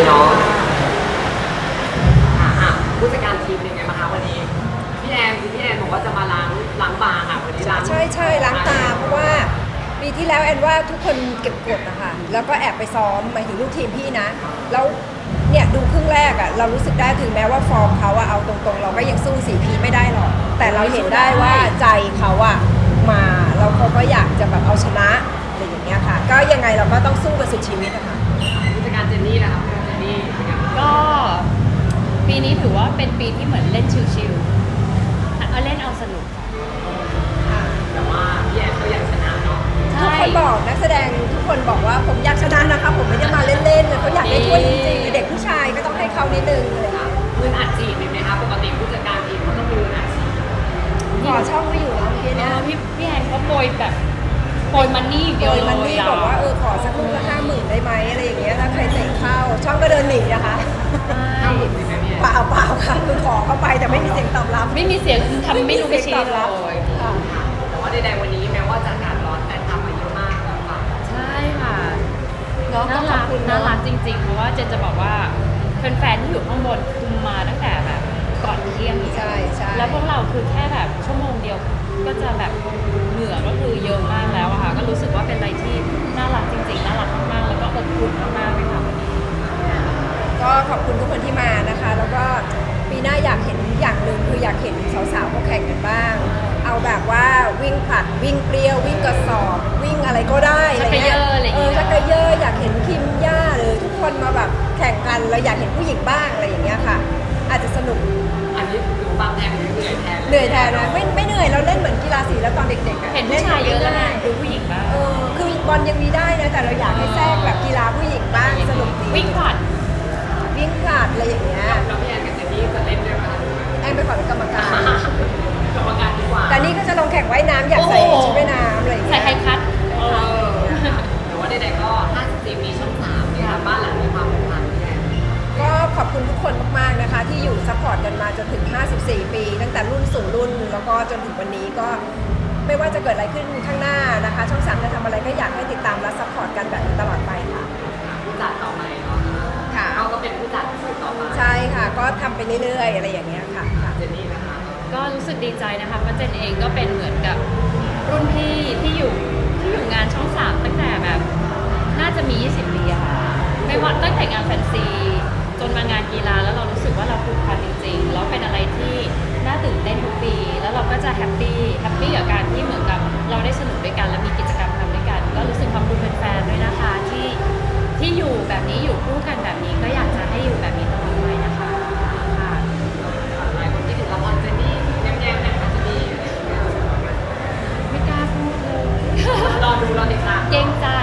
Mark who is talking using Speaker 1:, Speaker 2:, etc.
Speaker 1: เนาะผู้จัดการทีมเป็นไงบ้างคะวันนี้พี่แอนบอกว่าจะมาล้างบางอ่ะวันนี้ล้าง
Speaker 2: ใช่ล้างตาเพราะว่าปีที่แล้วแอนว่าทุกคนเก็บกดนะคะแล้วก็แอบไปซ้อมหมายถึงลูกทีมพี่นะแล้วเนี่ยดูครึ่งแรกอะเรารู้สึกได้ถึงแม้ว่าฟอร์มเขาอะเอาตรงๆเราก็ยังสู้4 พีไม่ได้หรอกแต่เราเห็นได้ว่าใจเขาอะมาแล้วเขาก็อยากจะแบบเอาชนะอะไรอย่างเงี้ยค่ะก็ยังไงเราก็ต้องสู้กันสุดชีวิตนะคะ
Speaker 1: ผู้จัดการเจนนี่นะคะเจนนี่เป็นไงบ้าง
Speaker 3: ก็ปีนี้ถือว่าเป็นปีที่เหมือนเล่นชิลๆเอาเล่นเอาสนุกค่ะ
Speaker 1: แต่ว่าพี่แอนก็อยากชนะเนาะ
Speaker 2: ทุกคนบอกนักแสดงทุกคนบอกว่าผมอยากชนะนะคะผมไม่ได้มาเล่นๆเลยเขาอยากได้ถ้วยจริงๆเด็กผู้ชายก็ต้องให้เขานิดนึงเลยค่ะ
Speaker 1: มืออัดฉีดมีไหมคะปกติผู้จัดการทีมเขาต้องมีมืออัดฉีด
Speaker 2: ขอช่องไม่อยู่แล้วเมื่อกี้เนี่ย
Speaker 3: พี่แอนเขาโปรยแบบโปรยมันนี่เดี
Speaker 2: โด
Speaker 3: ยวย
Speaker 2: มันนี่บอกว่าขอสักลูกละ50,000ได้ไหมอะไรอย่างเงี้ยถ้าใครเตะเข้าช่องก็เดินหนีนะคะ
Speaker 1: ห้าหมื่นใช่ไหมพี่แอน
Speaker 2: เปล่าค่ะคือขอเข้าไปแต่ไม่มีเสียงตอบรับ
Speaker 3: ไม่มีเสียงทำไม่รู้ไม่ชี้เลย
Speaker 2: ค่ะ
Speaker 1: แต่ว่าใดๆวันนี้แม้ว่าจะอากาศร้อนแต่ทำมาเยอะมากแล้วค่ะ
Speaker 3: ใช่ค่ะ
Speaker 2: เนาะ
Speaker 3: น่า
Speaker 2: ขอ
Speaker 3: รับ ก
Speaker 2: คุณ
Speaker 3: น่า
Speaker 2: เนาะ
Speaker 3: รักจริงๆเพราะว่าเจนจะบอกว่าแฟนๆที่อยู่ข้างบนคุมมาตั้งแต่แบบก่อนเที่ยงอีก
Speaker 2: ใช่ใช่
Speaker 3: แล้วพวกเราคือแค่แบบชั่วโมงเดียวก็จะแบบเหงื่อก็คือเยอะมากแล้วอะค่ะก็รู้สึกว่าเป็นอะไรที่น่ารักจริงๆน่ารักมากๆแล้วก็อบอุ่นมากๆเลยค่ะวันนี้
Speaker 2: ก็ขอบคุณทุกคนที่มานะคะ แล้วก็ปีหน้าอยากเห็นอย่างหนึ่งคืออยากเห็นสาวๆเขาแข่งกันบ้าง เอาแบบว่าวิ่งผลัดวิ่งเปรี้ยววิ่งกระสอบวิ่งอะไรก็ได้อะไรเงี้ย
Speaker 3: ชักเกยอร์อะไรอย่างเงี้ย
Speaker 2: ชักเกยอร์อยากเห็นคิมย่าหรือทุกคนมาแบบแข่งกันเราอยากเห็นผู้หญิงบ้างอะไรอย่างเงี้ยค่ะ อาจจะสนุก
Speaker 1: อันนี้ดูฟังแทนหรือเหนื่อยแทน
Speaker 2: เหนื่อยแทนนะไม่เหนื่อยเราเล่นเหมือนกีฬาสีแล้วตอนเด็กๆอะ
Speaker 3: เห็นผู้ชายเยอะแล้วไง
Speaker 2: ง่าย
Speaker 3: ดูผู้หญิงบ้าง
Speaker 2: คือบอลยังมีได้นะแต่เราอยากให้แทรกแบบกีฬาผู้หญิงบ้างสนุกดี
Speaker 3: วิ่งผลัด
Speaker 2: วิ่งผลัดอะไรอย่างเงี้ย
Speaker 1: แล้วพี่แอนกับเจนนี่จะเล่นด้วยไหมคะ
Speaker 2: แอนไปขอเป็นกรรมการ
Speaker 1: กรรมการดีกว่า
Speaker 2: แต่นี่ก็จะลงแข่งว่ายน้ำอยากใส่ชุดว่ายน้ำอะไรอย่าง
Speaker 3: ใส่
Speaker 2: เงี้ย
Speaker 3: ไฮคัท
Speaker 1: แต่ว่าใดๆก็54ปีช่อง3เนี่ยบ้านหลังมีความผูกพันพี่แอน
Speaker 2: ก็ขอบคุณทุกคนมากๆนะคะ ที่อยู่ซัพพอร์ตกันมาจนถึง 54 ปี ตั้งแต่รุ่นสู่รุ่น แล้วก็จนถึงวันนี้ก็ไม่ว่าจะเกิดอะไรขึ้นข้างหน้านะคะ ช่อง3จะทำอะไรก็อยากให้ติดตามและซัพพอร์ตกันแบบนี้ตลอดไปค่ะ
Speaker 1: ผู้จัดต่อไปเนาะ
Speaker 2: ค่ะ
Speaker 1: เขาก็เป็นผู้จัดต่อไป
Speaker 2: ใช่ค่ะ ก็ทำไปเรื่อยๆ อะไรอย่างเงี้ยค่ะ
Speaker 1: เจนนี่นะคะ
Speaker 3: ก็รู้สึกดีใจนะคะเพราะเจนเองก็เป็นเหมือนกับรุ่นพี่ที่อยู่งานช่อง 3ตั้งแต่แบบน่าจะมี 20 ปีอะค่ะไม่ว่าตั้งแต่งานแฟนซีจนมางานกีฬาแล้วเรารู้สึกว่าเราผูกพันจริงๆแล้วเป็นอะไรที่น่าตื่นเต้นทุกปี แล้วเราก็จะแฮปปี้กับการที่เหมือนกับเราได้สนุกด้วยกันและมีกิจกรรมทำด้วยกัน ก็รู้สึกขอบคุณแฟนๆด้วยนะคะที่อยู่แบบนี้อยู่คู่กันแบบนี้ก็อยากจะให้อยู่แบบนี้ตลอดไปนะคะค่ะ
Speaker 1: หลายคนที่ถึงละครเจนนี่แย้มๆเนี่ยค่ะเจนนี่
Speaker 3: ไม่กล้าพูดเลย
Speaker 1: รอดูรอติดตาม
Speaker 3: เกรงใจ